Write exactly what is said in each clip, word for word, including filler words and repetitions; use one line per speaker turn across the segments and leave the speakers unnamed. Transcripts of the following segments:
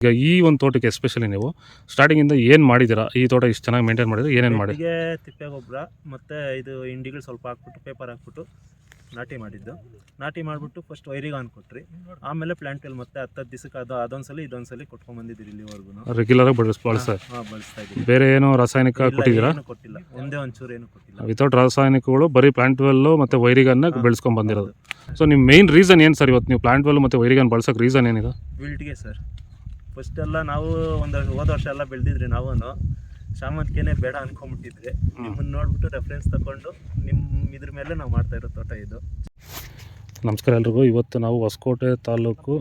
ಈಗ ಈ ಒಂದು ತೋಟಕ್ಕೆ ಎಸ್ಪೆಷಲಿ ನೀವು ಸ್ಟಾರ್ಟಿಂಗಿಂದ ಏನು ಮಾಡಿದ್ದೀರಾ? ಈ ತೋಟ ಇಷ್ಟು ಚೆನ್ನಾಗಿ ಮೇಂಟೈನ್ ಮಾಡಿದ್ರೆ ಏನೇನು ಮಾಡಿ?
ಬೆಟ್ಟಿಗೆ ತಿಪ್ಪೆ ಗೊಬ್ಬರ ಮತ್ತು ಇದು ಇಂಡಿಗಳು ಸ್ವಲ್ಪ ಹಾಕ್ಬಿಟ್ಟು ಪೇಪರ್ ಹಾಕ್ಬಿಟ್ಟು ನಾಟಿ ಮಾಡಿದ್ದು. ನಾಟಿ ಮಾಡಿಬಿಟ್ಟು ಫಸ್ಟ್ ವೈರಿಗೆ ಆನ್ ಕೊಟ್ರಿ, ಆಮೇಲೆ ಪ್ಲಾಂಟಲ್ಲಿ ಮತ್ತೆ ಹತ್ತು ದಿವಸಕ್ಕೆ ಅದು ಅದೊಂದ್ಸಲಿ ಇದೊಂದ್ಸಲಿ ಕೊಟ್ಕೊಂಡ್ಬಂದಿದ್ದೀರಿ ಇಲ್ಲಿವರೆಗೂ
ರೆಗ್ಯುಲರಾಗಿ ಬಳಸ್ ಬಳಸ್ತಾ
ಹಾಂ ಬಳಸ್ತಾ ಇದ್ದೀವಿ.
ಬೇರೆ ಏನೋ ರಾಸಾಯನಿಕ ಕೊಟ್ಟಿದ್ದೀರಾ?
ಏನು ಕೊಟ್ಟಿಲ್ಲ, ಒಂದೇ ಒಂಚೂರು ಏನು ಕೊಟ್ಟಿಲ್ಲ.
ವಿತೌಟ್ ರಾಸಾಯನಿಕಗಳು ಬರೀ ಪ್ಲಾಂಟ್ ವೆಲ್ಲು ಮತ್ತು ವೈರಿಗನ್ನ ಬೆಳೆಸ್ಕೊಂಡು ಬಂದಿರೋದು. ಸೊ ನಿಮ್ಮ ಮೇನ್ ರೀಸನ್ ಏನು ಸರ್ ಇವತ್ತು ನೀವು ಪ್ಲಾಂಟ್ ವೆಲ್ ಮತ್ತು ವೈರಿಗನ್ ಬಳಸೋಕೆ ರೀಸನ್ ಏನಿದೆ?
ವಿಲ್ಟ್ಗೆ ಸರ್. ಫಸ್ಟ್ ಎಲ್ಲ ನಾವು ಒಂದು ಹೋದ ವರ್ಷ ಎಲ್ಲ ಬೆಳೆದಿದ್ರಿ, ನಾವು ಶಾಮಂತಿಗೆನೇ ಬೇಡ ಅನ್ಕೊಂಡ್ಬಿಟ್ಟಿದ್ರಿ. ನಿಮ್ಮನ್ನ ನೋಡ್ಬಿಟ್ಟು ರೆಫರೆನ್ಸ್ ತಗೊಂಡು ನಿಮ್ಮ ಇದ್ರ ಮೇಲೆ ನಾವು ಮಾಡ್ತಾ ಇರೋ ತೋಟ ಇದು.
ನಮಸ್ಕಾರ ಎಲ್ರಿಗೂ. ಇವತ್ತು ನಾವು ಹೊಸಕೋಟೆ ತಾಲೂಕು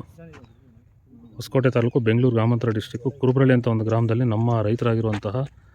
ಹೊಸಕೋಟೆ ತಾಲೂಕು ಬೆಂಗಳೂರು ಗ್ರಾಮಾಂತರ ಡಿಸ್ಟಿಕ್ಕು ಕುರುಬ್ರಳ್ಳಿ ಅಂತ ಒಂದು ಗ್ರಾಮದಲ್ಲಿ ನಮ್ಮ ರೈತರಾಗಿರುವಂತಹ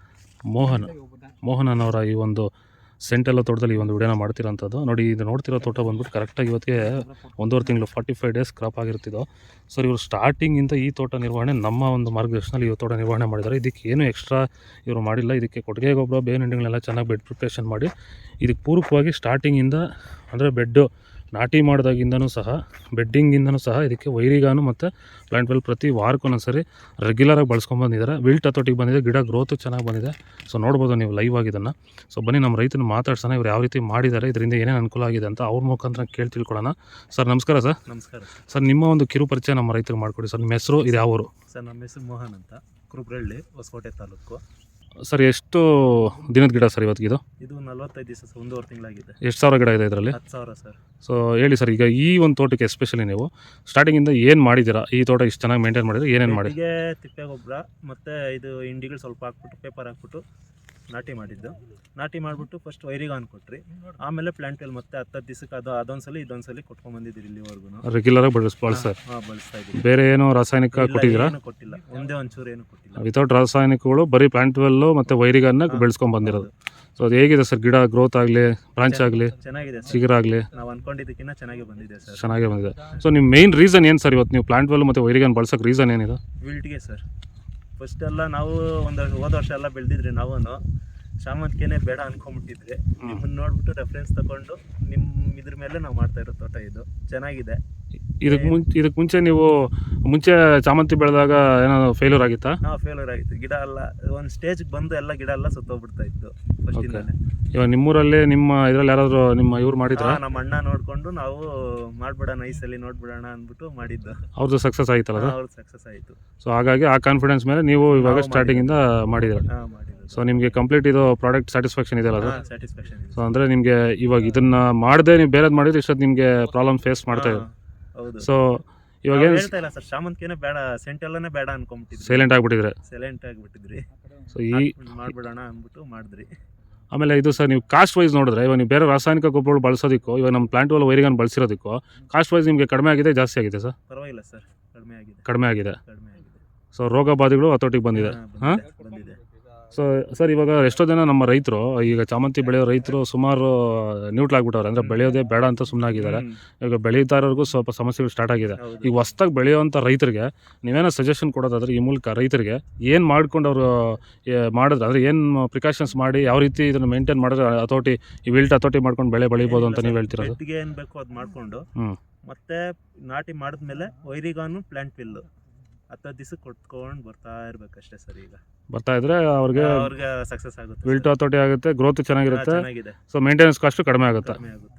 ಮೋಹನ್ ಮೋಹನನವರ ಈ ಒಂದು ಸೆಂಟೆಲ್ಲ ತೋಟದಲ್ಲಿ ಈ ಒಂದು ವಿಡಿಯೋನ ಮಾಡ್ತಿರೋಂಥದ್ದು. ನೋಡಿ, ಇದು ನೋಡ್ತಿರೋ ತೋಟ ಬಂದ್ಬಿಟ್ಟು ಕರೆಕ್ಟಾಗಿ ಇವತ್ತಿಗೆ ಒಂದೂವರೆ ತಿಂಗಳು ಫಾರ್ಟಿ ಫೈವ್ ಡೇಸ್ ಕ್ರಾಪ್ ಆಗಿರ್ತಿದ್ದೋ. ಸರ್, ಇವರು ಸ್ಟಾರ್ಟಿಂಗಿಂದ ಈ ತೋಟ ನಿರ್ವಹಣೆ ನಮ್ಮ ಒಂದು ಮಾರ್ಗದರ್ಶನದಲ್ಲಿ ಈ ತೋಟ ನಿರ್ವಹಣೆ ಮಾಡಿದ್ದಾರೆ. ಇದಕ್ಕೆ ಏನು ಎಕ್ಸ್ಟ್ರಾ ಇವರು ಮಾಡಿಲ್ಲ. ಇದಕ್ಕೆ ಕೊಟ್ಟಿಗೆ ಗೊಬ್ಬರ, ಬೇವಿನ ಹಿಂಡಿಗಳನ್ನೆಲ್ಲ ಚೆನ್ನಾಗಿ ಬೆಡ್ ಪ್ರಿಪ್ರೇಷನ್ ಮಾಡಿ ಇದಕ್ಕೆ ಪೂರಕವಾಗಿ ಸ್ಟಾರ್ಟಿಂಗಿಂದ ಅಂದರೆ ಬೆಡ್ಡು ನಾಟಿ ಮಾಡಿದಾಗಿಂದನೂ ಸಹ ಬೆಡ್ಡಿಂಗಿಂದನೂ ಸಹ ಇದಕ್ಕೆ ವೈರಿಗಾನು ಮತ್ತು ಪ್ಲಾಂಟ್ ವೆಲ್ ಪ್ರತಿ ವಾರಕ್ಕೂ ಒಂದೊಂದ್ಸರಿ ರೆಗ್ಯುಲರಾಗಿ ಬಳಸ್ಕೊಂಡ್ಬಂದಿದ್ದಾರೆ. ವಿಲ್ಟ್ ಹತೋಟಿಗೆ ಬಂದಿದೆ, ಗಿಡ ಗ್ರೋತು ಚೆನ್ನಾಗಿ ಬಂದಿದೆ. ಸೊ ನೋಡ್ಬೋದು ನೀವು ಲೈವ್ ಆಗಿದ್ದನ್ನು. ಸೊ ಬನ್ನಿ ನಮ್ಮ ರೈತನ ಮಾತಾಡ್ಸೋಣ, ಇವ್ರು ಯಾವ ರೀತಿ ಮಾಡಿದ್ದಾರೆ, ಇದರಿಂದ ಏನೇನು ಅನುಕೂಲ ಆಗಿದೆ ಅಂತ ಅವ್ರ ಮುಖಾಂತರ ಕೇಳಿ ತಿಳ್ಕೊಳ್ಳೋಣ. ಸರ್ ನಮಸ್ಕಾರ. ಸರ್
ನಮಸ್ಕಾರ
ಸರ್, ನಿಮ್ಮ ಒಂದು ಕಿರು ಪರಿಚಯ ನಮ್ಮ ರೈತರಿಗೆ ಮಾಡಿಕೊಡಿ ಸರ್. ನಿಮ್ಮ ಹೆಸರು, ಇದು ಯಾವ ಊರು?
ಸರ್, ನಮ್ಮ ಹೆಸರು ಮೋಹನ್ ಅಂತ, ಕುರುಬ್ರಳ್ಳಿ, ಹೊಸಕೋಟೆ ತಾಲೂಕು.
ಸರ್, ಎಷ್ಟು ದಿನದ ಗಿಡ ಸರ್ ಇವತ್ತಿಗೆ?
ಇದು ನಲ್ವತ್ತೈದು ದಿವಸ, ಒಂದೂವರೆ ತಿಂಗಳಾಗಿದೆ.
ಎಷ್ಟು ಸಾವಿರ ಗಿಡ ಇದೆ ಇದರಲ್ಲಿ?
ಹತ್ತು ಸಾವಿರ ಸರ್.
ಸೊ ಹೇಳಿ ಸರ್, ಈಗ ಈ ಒಂದು ತೋಟಕ್ಕೆ ಎಸ್ಪೆಷಲಿ ನೀವು ಸ್ಟಾರ್ಟಿಂಗಿಂದ ಏನು ಮಾಡಿದ್ದೀರಾ? ಈ ತೋಟ ಇಷ್ಟು ಚೆನ್ನಾಗಿ ಮೇಂಟೈನ್ ಮಾಡಿದ್ರೆ ಏನೇನು ಮಾಡಿ?
ಬೆಟ್ಟಿಗೆ ತಿಪ್ಪೆ ಗೊಬ್ಬರ ಮತ್ತು ಇದು ಇಂಡಿಗಳು ಸ್ವಲ್ಪ ಹಾಕ್ಬಿಟ್ಟು ಪೇಪರ್ ಹಾಕ್ಬಿಟ್ಟು ನಾಟಿ ಮಾಡಿದ್ದು. ನಾಟಿ ಮಾಡಿಬಿಟ್ಟು ಫಸ್ಟ್ ವೈರಿಗೆ ಆನ್ ಕೊಟ್ರಿ, ಆಮೇಲೆ ಪ್ಲಾಂಟಲ್ಲಿ ಮತ್ತೆ ಹತ್ತು ದಿವಸಕ್ಕೆ ಅದು ಅದೊಂದ್ಸಲಿ ಇದೊಂದ್ಸಲಿ ಕೊಟ್ಕೊಂಡ್ಬಂದಿದ್ದೀರಿ ಇಲ್ಲಿವರೆಗೂ.
ರೆಗ್ಯುಲರಾಗಿ ಬಳಸ್ ಬಳಸ್ತಾರೆ.
ಹಾಂ ಬಳಸ್ತಾ ಇದ್ದೀವಿ.
ಬೇರೆ ಏನೋ ರಾಸಾಯನಿಕ ಕೊಟ್ಟಿದ್ದೀರಾ?
ಏನು ಕೊಟ್ಟಿಲ್ಲ, ಒಂದೇ ಒಂಚೂರು ಏನು ಕೊಟ್ಟಿಲ್ಲ.
ವಿತೌಟ್ ರಾಸಾಯನಿಕಗಳು ಬರೀ ಪ್ಲಾಂಟ್ ವೆಲ್ಲು ಮತ್ತು ವೈರಿಗನ್ನ ಬೆಳೆಸ್ಕೊಂಡು ಬಂದಿರೋದು. ಸೊ ಅದು ಹೇಗಿದೆ ಸರ್? ಗಿಡ ಗ್ರೋತ್ ಆಗಲಿ, ಬ್ರಾಂಚ್ ಆಗಲಿ,
ಚೆನ್ನಾಗಿದೆ,
ಚಿಗುರಾಗಲಿ
ನಾವು ಅನ್ಕೊಂಡಿದ್ದಕ್ಕಿಂತ ಚೆನ್ನಾಗಿ ಬಂದಿದೆ ಸರ್.
ಚೆನ್ನಾಗೇ ಬಂದಿದೆ. ಸೊ ನಿಮ್ಮ ಮೇನ್ ರೀಸನ್ ಏನು ಸರ್ ಇವತ್ತು ನೀವು ಪ್ಲಾಂಟ್ ವೆಲ್ ಮತ್ತು ವೈರಿಗನ್ ಬಳಸೋಕೆ ರೀಸನ್ ಏನಿದೆ?
ವಿಲ್ಟ್ಗೆ ಸರ್. ಫಸ್ಟ್ ಎಲ್ಲ ನಾವು ಒಂದು ಹೋದ ವರ್ಷ ಎಲ್ಲ ಬೆಳೆದಿದ್ರಿ, ನಾವು ಶಾಮಂತಿಗೆನೇ ಬೇಡ ಅನ್ಕೊಂಡ್ಬಿಟ್ಟಿದ್ರಿ. ನಿಮ್ಮನ್ನ ನೋಡ್ಬಿಟ್ಟು ರೆಫರೆನ್ಸ್ ತಗೊಂಡು ನಿಮ್ಮ ಇದ್ರ ಮೇಲೆ ನಾವು ಮಾಡ್ತಾ ಇರೋ ತೋಟ ಇದು. ಚೆನ್ನಾಗಿದೆ.
ಇದಕ್ಕೆ ಮುಂಚೆ ಇದಕ್ಕೆ ಮುಂಚೆ ನೀವು ಮುಂಚೆ ಚಾಮಂತಿ ಬೆಳೆದಾಗ ಏನೋ ಫೇಲ್ಯೂರ್ ಆಗಿತ್ತಾ?
ಹಾಂ, ಫೇಲ್ಯೂರ್ ಆಗಿತ್ತು. ಗಿಡ ಎಲ್ಲ ಒಂದು ಸ್ಟೇಜ್ಗೆ ಬಂದು ಎಲ್ಲ ಗಿಡ ಎಲ್ಲ ಸುತ್ತೋಗ್ಬಿಡ್ತಾ ಇತ್ತು ಫಸ್ಟಿಂದಾನೆ.
ಇವಾಗ ನಿಮ್ಮೂರಲ್ಲಿ ನಿಮ್ಮ ಇದರಲ್ಲಿ ಯಾರಾದರೂ ನಿಮ್ಮ ಇವ್ರು ಮಾಡಿದ್ರಾ?
ನಮ್ಮ ಅಣ್ಣ ನೋಡಿಕೊಂಡು ನಾವು ಮಾಡ್ಬಿಡೋಣ ಈ ಸಲ ನೋಡ್ಬಿಡೋಣ ಅಂದ್ಬಿಟ್ಟು ಮಾಡಿದ್ದು.
ಅವ್ರದ್ದು ಸಕ್ಸಸ್ ಆಯ್ತಲ್ಲ ಸರ್?
ಅವ್ರದ್ದು ಸಕ್ಸಸ್ ಆಯಿತು.
ಸೊ ಹಾಗಾಗಿ ಆ ಕಾನ್ಫಿಡೆನ್ಸ್ ಮೇಲೆ ನೀವು ಇವಾಗ ಸ್ಟಾರ್ಟಿಂಗಿಂದ ಮಾಡಿದ್ದೀರಾ?
ಹಾಂ ಮಾಡಿದ್ದು.
ಸೊ ನಿಮಗೆ ಕಂಪ್ಲೀಟ್ ಇದು ಪ್ರಾಡಕ್ಟ್ ಸ್ಯಾಟಿಸ್ಫ್ಯಾಕ್ಷನ್ ಇದೆಯಲ್ಲ ಅದು?
ಸ್ಯಾಟಿಸ್ಫ್ಯಾಕ್ಷನ್ ಇದೆ.
ಸೊ ಅಂದರೆ ನಿಮಗೆ ಇವಾಗ ಇದನ್ನು ಮಾಡದೆ ನೀವು ಬೇರೆದು ಮಾಡಿದ್ರೆ ಇಷ್ಟೊತ್ತು ನಿಮಗೆ ಪ್ರಾಬ್ಲಮ್ ಫೇಸ್ ಮಾಡ್ತಾ ಇದ್ದಾರೆ.
ಹೌದು.
ಸೊ ಇವಾಗ ಏನು
ಹೇಳ್ತಾ ಇಲ್ಲ ಸರ್, ಶಾಮಂತಿಗೆನೇ ಬೇಡ, ಸೆಂಟೆಲ್ಲನೇ ಬೇಡ ಅನ್ಕೊಂಬಿಟ್ಟಿದ್ರಿ,
ಸೈಲೆಂಟ್ ಆಗಿಬಿಟ್ಟಿದ್ರೆ.
ಸೈಲೆಂಟ್ ಆಗಿಬಿಟ್ಟಿದ್ರಿ.
ಸೊ ಈ
ಮಾಡ್ಬಿಡೋಣ ಅಂದ್ಬಿಟ್ಟು ಮಾಡಿದ್ರಿ.
ಆಮೇಲೆ ಇದು ಸರ್, ನೀವು ಕಾಸ್ಟ್ ವೈಸ್ ನೋಡಿದ್ರೆ ಇವಾಗ ನೀವು ಬೇರೆ ರಾಸಾಯನಿಕ ಗೊಬ್ಬರಗಳು ಬಳಸೋದಕ್ಕೂ ಇವಾಗ ನಮ್ಮ ಪ್ಲಾಂಟ್ ವೆಲ್ ವೈರಿಗನ್ ಬಳಸಿರೋದಕ್ಕೂ ಕಾಸ್ಟ್ ವೈಸ್ ನಿಮಗೆ ಕಡಿಮೆ ಆಗಿದೆ, ಜಾಸ್ತಿ ಆಗಿದೆ ಸರ್?
ಪರವಾಗಿಲ್ಲ ಸರ್, ಕಡಿಮೆ ಆಗಿದೆ.
ಕಡಿಮೆ ಆಗಿದೆ.
ಕಡಿಮೆ ಆಗಿದೆ.
ಸೊ ರೋಗ ಬಾಧೆಗಳು ಹತೋಟಿಗೆ ಬಂದಿದೆ. ಹಾಂ
ಬಂದಿದೆ.
ಸೊ ಸರ್, ಇವಾಗ ಎಷ್ಟೋ ಜನ ನಮ್ಮ ರೈತರು ಈಗ ಚಾಮಂತಿ ಬೆಳೆಯೋ ರೈತರು ಸುಮಾರು ನ್ಯೂಟ್ಲಾಗ್ಬಿಟ್ಟವ್ರೆ, ಅಂದರೆ ಬೆಳೆಯೋದೇ ಬೇಡ ಅಂತ ಸುಮ್ಮನಾಗಿದ್ದಾರೆ. ಈಗ ಬೆಳೀತಾರವ್ರಿಗೂ ಸ್ವಲ್ಪ ಸಮಸ್ಯೆಗಳು ಸ್ಟಾರ್ಟ್ ಆಗಿದೆ. ಈಗ ಹೊಸ್ದಾಗಿ ಬೆಳೆಯೋವಂಥ ರೈತರಿಗೆ ನೀವೇನೋ ಸಜೆಷನ್ ಕೊಡೋದಾದ್ರೆ ಈ ಮೂಲಕ ರೈತರಿಗೆ ಏನು ಮಾಡ್ಕೊಂಡು ಅವರು ಮಾಡಿದ್ರೆ, ಅಂದರೆ ಏನು ಪ್ರಿಕಾಷನ್ಸ್ ಮಾಡಿ ಯಾವ ರೀತಿ ಇದನ್ನು ಮೇಂಟೈನ್ ಮಾಡಿದ್ರೆ ಹತೋಟಿ ಈ ವಿಲ್ಟ್ ಹತೋಟಿ ಮಾಡ್ಕೊಂಡು ಬೆಳೆ ಬೆಳಿಬೋದು ಅಂತ ನೀವು ಹೇಳ್ತಿರೋದು?
ಬೆಟ್ಟಿಗೆ ಏನು ಬೇಕೋ ಅದು ಮಾಡಿಕೊಂಡು
ಹ್ಞೂ
ಮತ್ತೆ ನಾಟಿ ಮಾಡಿದ್ಮೇಲೆ ವೈರಿಗಾನು ಪ್ಲಾಂಟ್ ಪಿಲ್ಲು ಹತ್ತು ದಿವಸಕ್ಕೆ ಕೊಟ್ಕೊಂಡು ಬರ್ತಾ ಇರ್ಬೇಕಷ್ಟೇ ಸರ್. ಈಗ
ಬರ್ತಾ ಇದ್ರೆ ಅವ್ರಿಗೆ
ಅವ್ರಿಗೆ ಸಕ್ಸಸ್ ಆಗುತ್ತೆ,
ವಿಲ್ಟ್ ಹತೋಟಿ ಆಗುತ್ತೆ, ಗ್ರೋತ್ ಚೆನ್ನಾಗಿರುತ್ತೆ.
ಚೆನ್ನಾಗಿದೆ.
ಸೊ ಮೇಂಟೆನೆನ್ಸ್ ಕಾಸ್ಟು ಕಡಿಮೆ ಆಗುತ್ತೆ.
ಕಡಿಮೆ ಆಗುತ್ತೆ.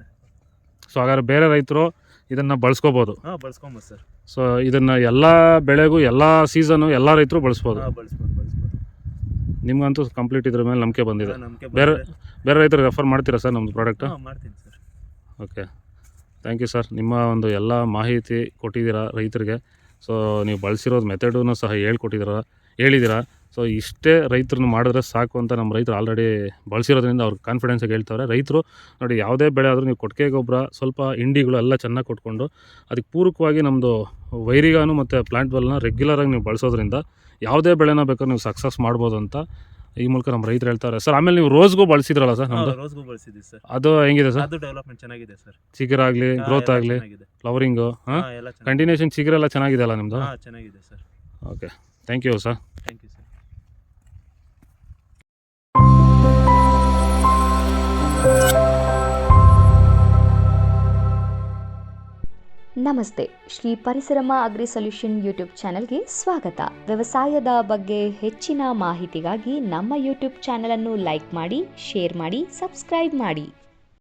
ಸೊ ಹಾಗಾದ್ರೆ ಬೇರೆ ರೈತರು ಇದನ್ನು ಬಳಸ್ಕೋಬೋದು?
ಹಾಂ ಬಳಸ್ಕೊಬೋದು ಸರ್.
ಸೊ ಇದನ್ನು ಎಲ್ಲ ಬೆಳೆಗೂ ಎಲ್ಲ ಸೀಸನು ಎಲ್ಲ ರೈತರು ಬಳಸ್ಬೋದು?
ಹಾಂ ಬಳಸ್ಬೋದು ಬಳಸ್ಬೋದು.
ನಿಮ್ಗಂತೂ ಕಂಪ್ಲೀಟ್ ಇದ್ರ ಮೇಲೆ ನಂಬಿಕೆ ಬಂದಿದೆ.
ನಂಬಿಕೆ
ಬೇರೆ ಬೇರೆ ರೈತರಿಗೆ ರೆಫರ್ ಮಾಡ್ತೀರಾ ಸರ್ ನಮ್ಮದು ಪ್ರಾಡಕ್ಟು?
ಹಾಂ ಮಾಡ್ತೀನಿ sir.
Okay, thank you sir. ನಿಮ್ಮ ಒಂದು ಎಲ್ಲ ಮಾಹಿತಿ ಕೊಟ್ಟಿದ್ದೀರಾ ರೈತರಿಗೆ. ಸೊ ನೀವು ಬಳಸಿರೋದು ಮೆಥಡನ್ನು ಸಹ ಹೇಳ್ಕೊಟ್ಟಿದ್ದೀರ ಹೇಳಿದ್ದೀರಾ. ಸೊ ಇಷ್ಟೇ ರೈತರನ್ನು ಮಾಡಿದ್ರೆ ಸಾಕು ಅಂತ ನಮ್ಮ ರೈತರು ಆಲ್ರೆಡಿ ಬಳಸಿರೋದ್ರಿಂದ ಅವ್ರಿಗೆ ಕಾನ್ಫಿಡೆನ್ಸಾಗಿ ಹೇಳ್ತಾರೆ. ರೈತರು ನೋಡಿ, ಯಾವುದೇ ಬೆಳೆ ಆದರೂ ನೀವು ಕೊಟ್ಟಿಗೆ ಗೊಬ್ಬರ ಸ್ವಲ್ಪ ಹಿಂಡಿಗಳು ಎಲ್ಲ ಚೆನ್ನಾಗಿ ಕೊಟ್ಕೊಂಡು ಅದಕ್ಕೆ ಪೂರಕವಾಗಿ ನಮ್ಮದು ವೈರಿಗಾನು ಮತ್ತು ಪ್ಲಾಂಟ್ ವೆಲ್ನ ರೆಗ್ಯುಲರಾಗಿ ನೀವು ಬಳಸೋದ್ರಿಂದ ಯಾವುದೇ ಬೆಳೆನ ಬೇಕಾದ್ರೆ ನೀವು ಸಕ್ಸಸ್ ಮಾಡ್ಬೋದು ಅಂತ ಈ ಮೂಲಕ ನಮ್ಮ ರೈತರು ಹೇಳ್ತಾರೆ ಸರ್. ಆಮೇಲೆ ನೀವು ರೋಸ್ಗೂ ಬಳಸಿದ್ರಲ್ಲ ಸರ್? ನಮ್ಮದು
ರೋಸ್ಗೂ ಬಳಸಿದ್ವಿ ಸರ್.
ಅದು ಹೆಂಗಿದೆ ಸರ್?
ಅದು ಡೆವಲಪ್ಮೆಂಟ್ ಚೆನ್ನಾಗಿದೆ ಸರ್.
ಚಿಗುರಾಗಲಿ, ಗ್ರೋತ್ ಆಗಲಿ, ಫ್ಲವರಿಂಗು, ಹಾಂ ಕಂಟಿನ್ಯೂಷನ್ ಚಿಗುರೆಲ್ಲ ಚೆನ್ನಾಗಿದೆ ಅಲ್ಲ ನಿಮ್ಮದು?
ಹಾಂ ಚೆನ್ನಾಗಿದೆ sir.
Okay, thank you sir.
Thank you sir.
ನಮಸ್ತೆ, Shri Parisarama agri solution YouTube ಚಾನೆಲ್ಗೆ ಸ್ವಾಗತ. ವ್ಯವಸಾಯದ ಬಗ್ಗೆ ಹೆಚ್ಚಿನ ಮಾಹಿತಿಗಾಗಿ ನಮ್ಮ ಯೂಟ್ಯೂಬ್ ಚಾನೆಲ್ ಅನ್ನು ಲೈಕ್ ಮಾಡಿ, ಶೇರ್ ಮಾಡಿ, ಸಬ್ಸ್ಕ್ರೈಬ್ ಮಾಡಿ.